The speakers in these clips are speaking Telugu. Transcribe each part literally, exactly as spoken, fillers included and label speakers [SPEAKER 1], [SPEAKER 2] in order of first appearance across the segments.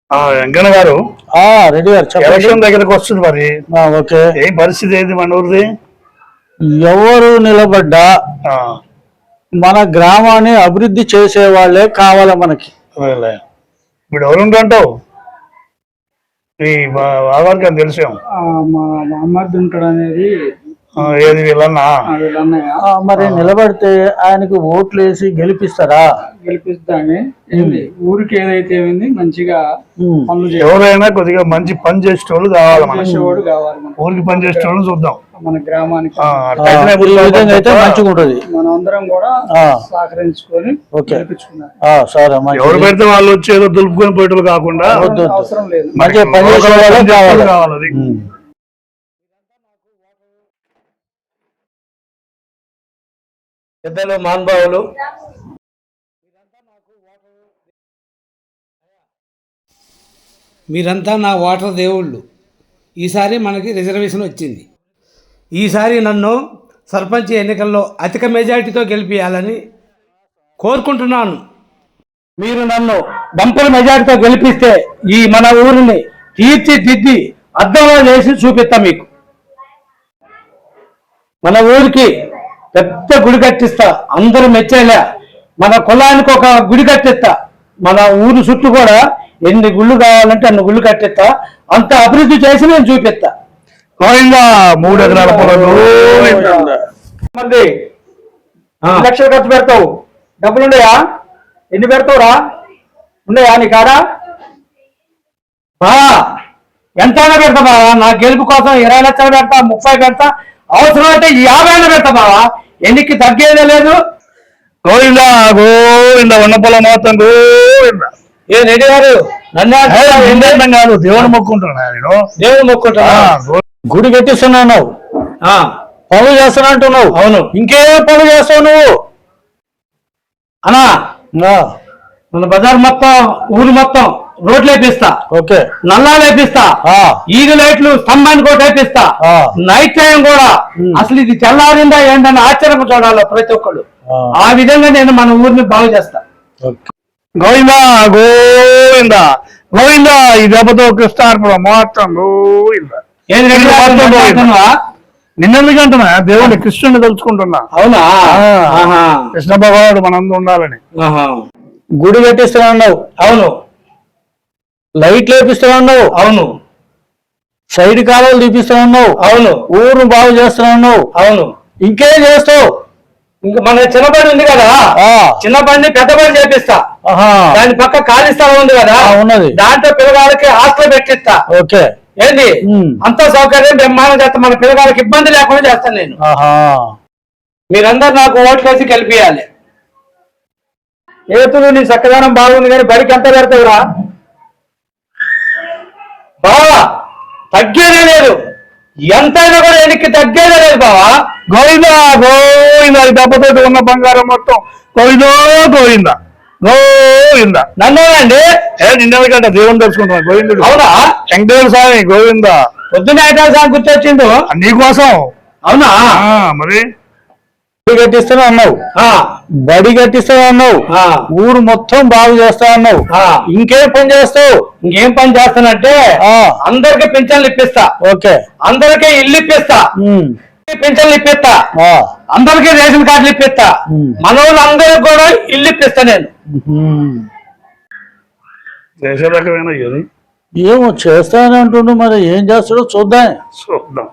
[SPEAKER 1] వెంకన్న గారు
[SPEAKER 2] రెడ్డి గారు
[SPEAKER 1] ఎలక్షన్ దగ్గరకు వస్తుంది మరి
[SPEAKER 2] ఓకే
[SPEAKER 1] ఏం పరిస్థితి ఏంది మన ఊరిది?
[SPEAKER 2] ఎవరు నిలబడ్డా మన గ్రామాన్ని అభివృద్ధి చేసే వాళ్ళే కావాలి మనకి.
[SPEAKER 1] ఇప్పుడు ఎవరుంటావు ఈ ఆధార్ తెలిసాం
[SPEAKER 3] మా అమ్మర్ది ఉంటాడు అనేది
[SPEAKER 1] ఏది వీళ్ళన్నా
[SPEAKER 2] మరి నిలబడితే ఆయనకు ఓట్లు వేసి గెలిపిస్తారా?
[SPEAKER 3] గెలిపిస్తానే ఊరికి ఏదైతే ఏమైంది మంచిగా పనులు
[SPEAKER 1] ఎవరైనా కొద్దిగా మంచి పని చేసేటోళ్ళు కావాలి,
[SPEAKER 3] చేసేవాడు కావాలి.
[SPEAKER 1] ఊరికి పని చేసేటోళ్ళు చూద్దాం
[SPEAKER 3] మన గ్రామానికి
[SPEAKER 2] అయితే మంచిగా ఉంటది.
[SPEAKER 3] మనం అందరం కూడా సహకరించుకొని గెలిపించుకున్నాం.
[SPEAKER 1] ఎవరు పెడితే వాళ్ళు వచ్చి ఏదో దులుపుకొని పోయేటోళ్ళు కాకుండా
[SPEAKER 3] అవసరం లేదు,
[SPEAKER 2] మంచిగా పని చేసే వాళ్ళే కావాలి.
[SPEAKER 4] పెద్దలు మహానుభావులు మీరంతా నా ఓటర్ దేవుళ్ళు. ఈసారి మనకి రిజర్వేషన్ వచ్చింది. ఈసారి నన్ను సర్పంచ్ ఎన్నికల్లో అధిక మెజారిటీతో గెలిపించాలని కోరుకుంటున్నాను. మీరు నన్ను బంపల మెజారిటీతో గెలిపిస్తే ఈ మన ఊరిని తీర్చిదిద్ది అద్దంలో చేసి చూపిస్తా. మీకు మన ఊరికి పెద్ద గుడి కట్టిస్తా, అందరూ మెచ్చేలా. మన కులానికి ఒక గుడి కట్టిస్తా, మన ఊరు చుట్టూ కూడా ఎన్ని గుళ్ళు కావాలంటే అన్ని గుళ్ళు కట్టిస్తా. అంత అభివృద్ధి చేసి నేను చూపిస్తా.
[SPEAKER 1] మూడు ఎకరాల పొలం
[SPEAKER 4] మంది లక్షలు ఖర్చు పెడతావు, డబ్బులు ఉన్నాయా? ఎన్ని పెడతావురా? ఉన్నాయా నీ కాడా? ఎంతైనా పెడతా బావా, నా గెలుపు కోసం ఇరవై లక్షలు పెడతా, ముప్పై పెడతా, అవసరం అయితే యాభై అయినా పెడతా బావా. ఎన్నికి తగ్గేదే లేదు.
[SPEAKER 1] గోవిందా గోవింద ఉన్న పొలం మొత్తం గోవిందా.
[SPEAKER 4] ఏ రెడ్డి గారు నన్ను
[SPEAKER 1] కాదు దేవుని మొక్కుంటున్నా, నేను
[SPEAKER 4] దేవుని మొక్కుంటున్నా.
[SPEAKER 2] గుడి కట్టిస్తున్నావు, పనులు చేస్తున్నా అంటున్నావు.
[SPEAKER 4] అవును,
[SPEAKER 2] ఇంకేం పనులు చేస్తావు నువ్వు?
[SPEAKER 4] అన్నా మన బజార్ మొత్తం ఊరు మొత్తం రోడ్లు వేపిస్తా,
[SPEAKER 2] ఓకే,
[SPEAKER 4] నల్లా వేపిస్తా, ఈగ లైట్లు స్తంభానికి కూడా వేపిస్తా. నైట్ టైం కూడా అసలు ఇది చల్లారిందా ఏంటని ఆశ్చర్యం చూడాలి ప్రతి ఒక్కళ్ళు. ఆ విధంగా నేను మన ఊరిని బాగు చేస్తా.
[SPEAKER 1] గోవిందా గోవిందా గోవిందా. ఈ దెబ్బతో కృష్ణార్పణ మొత్తం గోవిందా. నిన్నెందుకు అంటున్నా? దేవుడిని కృష్ణుని తలుచుకుంటున్నా.
[SPEAKER 4] అవునా?
[SPEAKER 1] కృష్ణ భగవానుడు మనందు ఉండాలని.
[SPEAKER 2] గుడి కట్టిస్తున్నావు.
[SPEAKER 4] అవును.
[SPEAKER 2] లైట్లు వేపిస్తున్నావు.
[SPEAKER 4] అవును.
[SPEAKER 2] సైడ్ కాలువలు తీపిస్తున్నావు.
[SPEAKER 4] అవును.
[SPEAKER 2] ఊరు బాగు చేస్తున్నావు.
[SPEAKER 4] అవును.
[SPEAKER 2] ఇంకేం చేస్తావు?
[SPEAKER 4] ఇంకా మన చిన్నపడి ఉంది కదా, చిన్నపడిని పెద్ద పని చేపిస్తా. దాని పక్క ఖాళీ స్థలం ఉంది కదా,
[SPEAKER 2] ఉన్నది,
[SPEAKER 4] దాంట్లో పిల్లగాళ్ళకి హాస్టల్ పెట్టిస్తా.
[SPEAKER 2] ఓకే,
[SPEAKER 4] ఏంటి అంత సౌకర్యం బ్రహ్మాండం చేస్తా. మన పిల్లగాళ్ళకి ఇబ్బంది లేకుండా చేస్తాను నేను. మీరందరూ నాకు ఓట్లు వేసి గెలిపియాలి. ఏతులు నీ చక్కదనం బాగుంది కానీ బడికి ఎంత పెడతావురా బావా? తగ్గేదే లేదు, ఎంతైనా కూడా ఎనికి తగ్గేదే లేదు బావా.
[SPEAKER 1] గోవిందా గోవిందా. దెబ్బతోటి ఉన్న బంగారం మొత్తం గోవిందో గోవిందా గోవిందా.
[SPEAKER 4] నన్నేనండి
[SPEAKER 1] ఏ నిన్నెందుకంటే దేవుని తెలుసుకుంటున్నా. గోవిందుడు.
[SPEAKER 4] అవునా?
[SPEAKER 1] వెంకటేశ్వర స్వామి గోవిందా.
[SPEAKER 4] పొద్దున్న ఐటాల స్వామి గుర్తొచ్చిండు
[SPEAKER 1] నీకోసం.
[SPEAKER 4] అవునా?
[SPEAKER 1] మరి
[SPEAKER 2] గుడి కట్టిస్తున్నా అన్నావు, బడి కట్టిస్తున్నా అన్నావు, ఊరు మొత్తం బాగు చేస్తా అన్నావు. ఇంకేం పని చేస్తావు?
[SPEAKER 4] ఇంకేం పని చేస్తానంటే అందరికి పింఛన్లు ఇప్పిస్తా.
[SPEAKER 2] ఓకే,
[SPEAKER 4] అందరికీ ఇల్లు ఇప్పిస్తా, పింఛన్లు ఇప్పిస్తా, అందరికీ రేషన్ కార్డులు ఇప్పిస్తా. మన వాళ్ళు అందరికి కూడా ఇల్లు ఇప్పిస్తా నేను.
[SPEAKER 2] ఏమో చేస్తానని అంటుండు, మరి ఏం చేస్తాడో చూద్దాం.
[SPEAKER 1] చూద్దాం.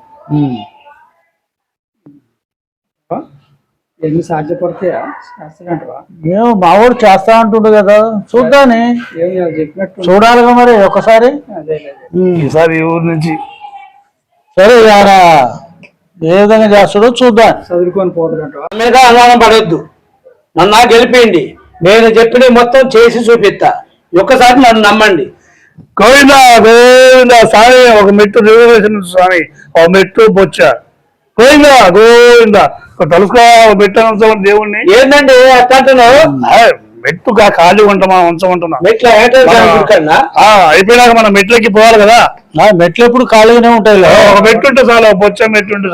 [SPEAKER 3] ఎన్ని సాధ్యపడతాయా?
[SPEAKER 2] ఏమో మావాడు చేస్తా అంటుండు కదా, చూద్దాని. చూడాలిగా మరి ఒకసారి.
[SPEAKER 1] ఈసారి ఊరి నుంచి
[SPEAKER 2] సరే ఆయన ఏ విధంగా చేస్తాడో చూద్దాం.
[SPEAKER 3] చదువుకొని పోతాడంట
[SPEAKER 4] మీద అనుమానం పడొద్దు. నన్ను గెలిపేయండి, నేను చెప్పిన మొత్తం చేసి చూపిస్తా. ఒక్కసారి నన్ను నమ్మండి.
[SPEAKER 1] గోవిందా గోవిందా. స్వామి ఒక మెట్టు రిజర్వేషన్ స్వామి, ఒక మెట్టు బొచ్చా. గోవిందా గోవిందా. తలుసుకో మెట్టు దేవుణ్ణి.
[SPEAKER 4] ఏంటండి అట్లాంటున్నావు?
[SPEAKER 1] మెట్టు ఖాళీ ఉంటామా ఉంచమంటున్నా.
[SPEAKER 4] మెట్ల
[SPEAKER 1] అయిపోయినాక మనం మెట్లకి పోవాలి కదా.
[SPEAKER 2] మెట్లు ఎప్పుడు ఖాళీగానే ఉంటాయి.
[SPEAKER 1] ఒక మెట్టు ఉంటే చాలు, ఒక బొచ్చ మెట్టు ఉంటే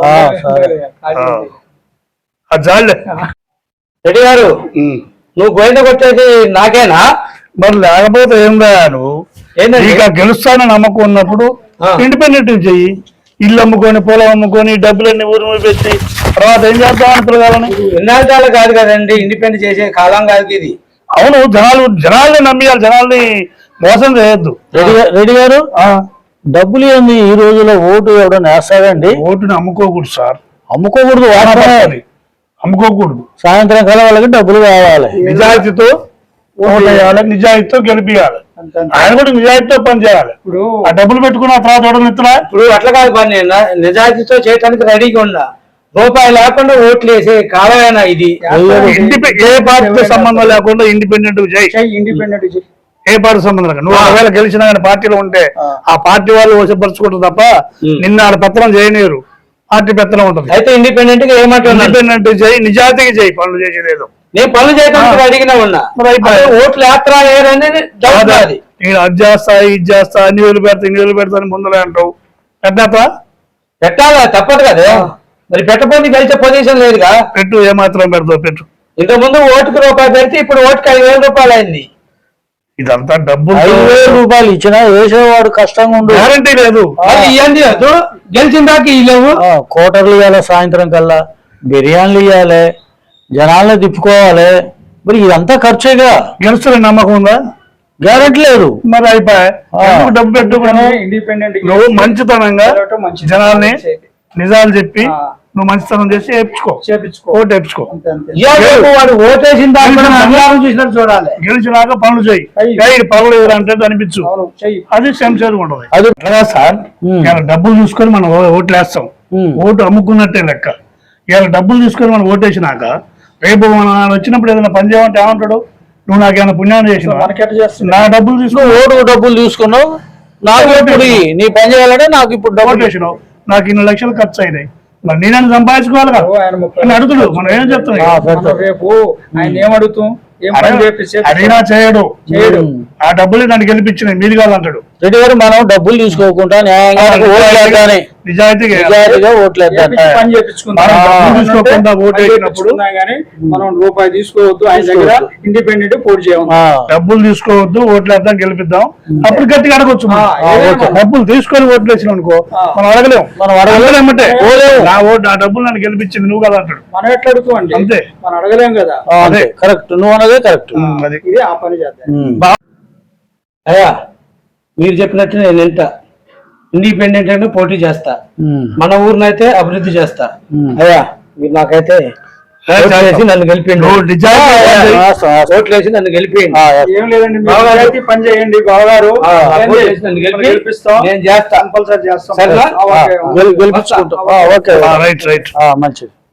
[SPEAKER 1] చాలు.
[SPEAKER 4] రెడ్డి గారు, నువ్వు గోవింద కొట్టేది నాకేనా?
[SPEAKER 1] మరి లేకపోతే ఏం రా నువ్వు?
[SPEAKER 4] ఏంటండి?
[SPEAKER 1] ఇక గెలుస్తానని నమ్మకం ఉన్నప్పుడు
[SPEAKER 4] ఆ.
[SPEAKER 1] ఇండిపెండెంట్ చెయ్యి. ఇల్లు అమ్ముకొని పొలం అమ్ముకొని డబ్బులన్నీ ఊరు మీద పెట్టి తర్వాత ఏం చేద్దామని పిల్లగాలని.
[SPEAKER 4] ఎన్నాళ్ళ కాదు కదండి, ఇండిపెండెంట్ చేసే కాలం కాదు ఇది.
[SPEAKER 1] అవును, జనాలు జనాల్ని నమ్మియాలి, జనాల్ని మోసం చేయొద్దు.
[SPEAKER 2] రెడ్డి గా- రెడ్డి గారు
[SPEAKER 1] ఆ,
[SPEAKER 2] డబ్బులు ఏంది ఈ రోజుల్లో ఓటు ఎవడన్నా వేస్తాడండి?
[SPEAKER 1] ఓటుని అమ్ముకోకూడదు సార్,
[SPEAKER 2] అమ్ముకోకూడదు, వాస్తవమే.
[SPEAKER 1] అమ్ముకోకూడదు.
[SPEAKER 2] సాయంత్రం కల వాళ్ళకి డబ్బులు కావాలి.
[SPEAKER 1] నిజాయితీతో ఓట్లు వేయాలి, నిజాయితీతో గెలిపియాలి.
[SPEAKER 3] అంతే అంతే.
[SPEAKER 1] ఆయన కూడా నిజాయితీతో పని చేయాలి.
[SPEAKER 3] ఇప్పుడు
[SPEAKER 1] ఆ డబ్బులు పెట్టుకున్న తర్వాత ఓడలు ఇస్తున్నా
[SPEAKER 4] ఇప్పుడు అట్లా కాదు పని, న- నిజాయితీతో చేయడానికి రెడీగా ఉన్నా. రూపాయి లేకుండా ఓట్లు వేసే కాలమేనా ఇది?
[SPEAKER 1] ఇండిపె- ఏ పార్టీతో సంబంధం లేకుండా ఇండిపెండెంట్ చేయి.
[SPEAKER 3] ఇండిపెండెంట్
[SPEAKER 1] ఏ పార్టీ సంబంధం లేకుండా నువ్వు ఒకవేళ గెలిచినా కానీ పార్టీలో ఉంటే ఆ పార్టీ వాళ్ళు వశపరుచుకుంటారు తప్ప నిన్న ఆడ పెత్తనం చేయనీరు. పార్టీ పెత్తనం ఉంటుంది.
[SPEAKER 4] అయితే ఇండిపెండెంట్ గా ఏమంటున్నా,
[SPEAKER 1] ఇండిపెండెంట్ చేయి, నిజాయితీగా చేయి, పనులు చేసేది.
[SPEAKER 4] నేను పనులు చేయడానికి రెడీగానే ఉన్నా.
[SPEAKER 1] మరి అయిపోయి.
[SPEAKER 4] అదే ఓట్లు యాత్ర ఏరనేది డౌట్ నాది.
[SPEAKER 1] నేను అది చేస్తా ఇది చేస్తా అన్ని వేలు పెడతా ఇన్ని వేలు పెడతా అని ముందలే అంటావు. పెట్టా
[SPEAKER 4] పెట్టాలా, తప్పదు కదా. మరి పెట్టకపోతే గెలిచే పొజిషన్ లేదుగా.
[SPEAKER 1] పెట్టు, ఏమాత్రం పెడతావు పెట్టు.
[SPEAKER 4] ఇంతకు ముందు ఓటుకు రూపాయి పెడితే ఇప్పుడు ఓటుకి ఐదు వేల రూపాయలు అయింది.
[SPEAKER 1] ఇదంతా డబ్బు
[SPEAKER 2] ఐదు వేల రూపాయలు ఇచ్చినా వేసేవాడు కష్టంగా ఉండు.
[SPEAKER 1] గ్యారంటీ లేదు.
[SPEAKER 4] అది ఇవ్వండి వద్దు, గెలిచిన దాకా ఇవ్వలేవు.
[SPEAKER 2] ఆ, కోటర్లు ఇవ్వాలి, సాయంత్రం కల్లా బిర్యానీలు ఇవ్వాలి, జనాలను తిప్పుకోవాలి. మరి ఇదంతా ఖర్చేగా,
[SPEAKER 1] గెలుస్తున్న నమ్మకం ఉందా?
[SPEAKER 2] గ్యారెంటీ లేదు.
[SPEAKER 1] మరి అయిపోయి ఎందుకు డబ్బు పెట్టుకుని
[SPEAKER 3] ఇండిపెండెంట్
[SPEAKER 1] నువ్వు మంచితనంగా
[SPEAKER 3] మంచి
[SPEAKER 1] జనాల్ని నిజాలు చెప్పి నువ్వు మంచితనం చేసి వేయించుకో,
[SPEAKER 3] చేపించుకో.
[SPEAKER 1] ఓటు వేయించుకో.
[SPEAKER 3] అంతే అంతే.
[SPEAKER 4] ఇవ్వలేవు, వాడు ఓటేసిన దాకా బంగారం చూసినట్టు చూడాలి.
[SPEAKER 1] గెలిచినాక పనులు చేయి.
[SPEAKER 3] అయ్యి.
[SPEAKER 1] ఇది పనులు ఎదురు అంటే అనిపించు.
[SPEAKER 3] అవును చెయ్యి.
[SPEAKER 1] అది శంషేర్ ఉంటుంది.
[SPEAKER 2] అది
[SPEAKER 1] అట్లా సార్
[SPEAKER 2] ఉమ్.
[SPEAKER 1] ఇలా డబ్బులు చూసుకొని మనం ఓ- ఓట్లు వేస్తాం.
[SPEAKER 2] ఉమ్.
[SPEAKER 1] ఓటు అమ్ముకున్నట్టే లెక్క. ఇలా డబ్బులు తీసుకొని మనం ఓటేసినాక రేపు మనం ఆయన వచ్చినప్పుడు ఏదైనా పని చేయమంటే ఏమంటాడు? నువ్వు నాకు ఏమైనా పుణ్యాన్ని చేసినావా?
[SPEAKER 3] మనకెట్ట చేస్తుంది?
[SPEAKER 1] నా డబ్బులు తీసుకొని
[SPEAKER 2] ఓటు డబ్బులు తీసుకున్నావు, నాకు ఇప్పుడు ఇయ్యి. నీ పని చేయాలంటే నాకు ఇప్పుడు డబ్బులు
[SPEAKER 1] ఓటేసినావు, నాకు ఇన్ని లక్షలు ఖర్చు అయినాయి, మరి నేనని సంపాదించుకోవాలి కదా
[SPEAKER 3] ఓ, ఆయన ముప్పై
[SPEAKER 1] అని అడుగుతుడు. మనం ఏం
[SPEAKER 2] ఆ,
[SPEAKER 1] చెప్తున్నాం?
[SPEAKER 2] పెడతాం.
[SPEAKER 3] మనం రేపు ఆయన ఏమడుగుతాం, ఏం పని చేపిస్తే
[SPEAKER 1] అడిగినా చేయడు.
[SPEAKER 3] చేయడు.
[SPEAKER 1] ఆ డబ్బులు నన్ను గెలిపించినాయి మీరు కాదంటాడు.
[SPEAKER 2] రెడ్డి గారు మనం డబ్బులు తీసుకోకుండా న్యాయంగా ఓట్లు వేద్దాని,
[SPEAKER 1] నిజాయితీగా
[SPEAKER 2] నిజాయితీగా ఓట్లు వేద్దాని.
[SPEAKER 3] చేపించి పని చేపించుకుందాం.
[SPEAKER 1] మనం డబ్బులు తీసుకోకుండా ఓటు
[SPEAKER 3] పని
[SPEAKER 1] వేసినప్పుడు
[SPEAKER 3] చేపించుకుందాం కానీ మనం రూపాయి తీసుకోవద్దు. ఆయన దగ్గర ఇండిపెండెంట్ పోటీ చేయం.
[SPEAKER 2] ఆ,
[SPEAKER 1] డబ్బులు తీసుకోవద్దు, ఓట్లు వేద్దాం, గెలిపిద్దాం. అప్పుడు గట్టిగా అడగొచ్చు మనం.
[SPEAKER 3] ఆ, ఏదైనా.
[SPEAKER 1] డబ్బులు తీసుకొని ఓట్లు వేసినాం అనుకో,
[SPEAKER 3] ఆ.
[SPEAKER 1] మనం అడగలేం.
[SPEAKER 2] మనం అడగలేం.
[SPEAKER 1] అడగలేమంటే
[SPEAKER 3] పోలేము.
[SPEAKER 1] నా ఓటు నా డబ్బులు నన్ను గెలిపించింది నువ్వు కదా అంటాడు.
[SPEAKER 3] మనం ఎట్లా అడుగుతాం అండి?
[SPEAKER 1] అంతే.
[SPEAKER 3] మనం అడగలేం కదా.
[SPEAKER 2] ఆ, అదే కరెక్ట్, నువ్వు అన్నదే కరెక్ట్.
[SPEAKER 1] ఉమ్, అది
[SPEAKER 3] ఇది ఆ పని చేద్దాం.
[SPEAKER 2] ఉమ్.
[SPEAKER 4] అయ్యా మీరు చెప్పినట్టు నేను ఎంత ఇండిపెండెంట్ అంటే పోటీ చేస్తా,
[SPEAKER 2] ఉమ్.
[SPEAKER 4] మన ఊరినైతే అభివృద్ధి చేస్తా.
[SPEAKER 2] ఉమ్.
[SPEAKER 4] అయ్యా మీరు నాకైతే ఓట్లు వేసి నన్ను గెలిపిండి.
[SPEAKER 1] నువ్వు నిజాయితీగా
[SPEAKER 2] ఆ,
[SPEAKER 1] చేయి.
[SPEAKER 2] వాస్తవం, వాస్తవం.
[SPEAKER 4] ఓట్లు వేసి నన్ను గెలిపిండి.
[SPEAKER 2] ఆ, yes.
[SPEAKER 3] ఏం లేదండి, మీరు
[SPEAKER 4] బావగారు.
[SPEAKER 3] నిజాయితీ పని చేయండి బావగారు.
[SPEAKER 4] ఆ,
[SPEAKER 3] ఏంది?
[SPEAKER 4] ఓట్లు వేసి నన్ను గెలిపి
[SPEAKER 3] మనం గెలిపిస్తాం.
[SPEAKER 4] నేను చేస్తా.
[SPEAKER 3] కంపల్సరీ చేస్తాం.
[SPEAKER 4] సరేనా?
[SPEAKER 3] ఆ, ఓకే.
[SPEAKER 2] గెలి- గెలిపించుకుంటాం. ఆ, ఓకే
[SPEAKER 1] రైట్ రైట్
[SPEAKER 2] ఆ, మంచిది.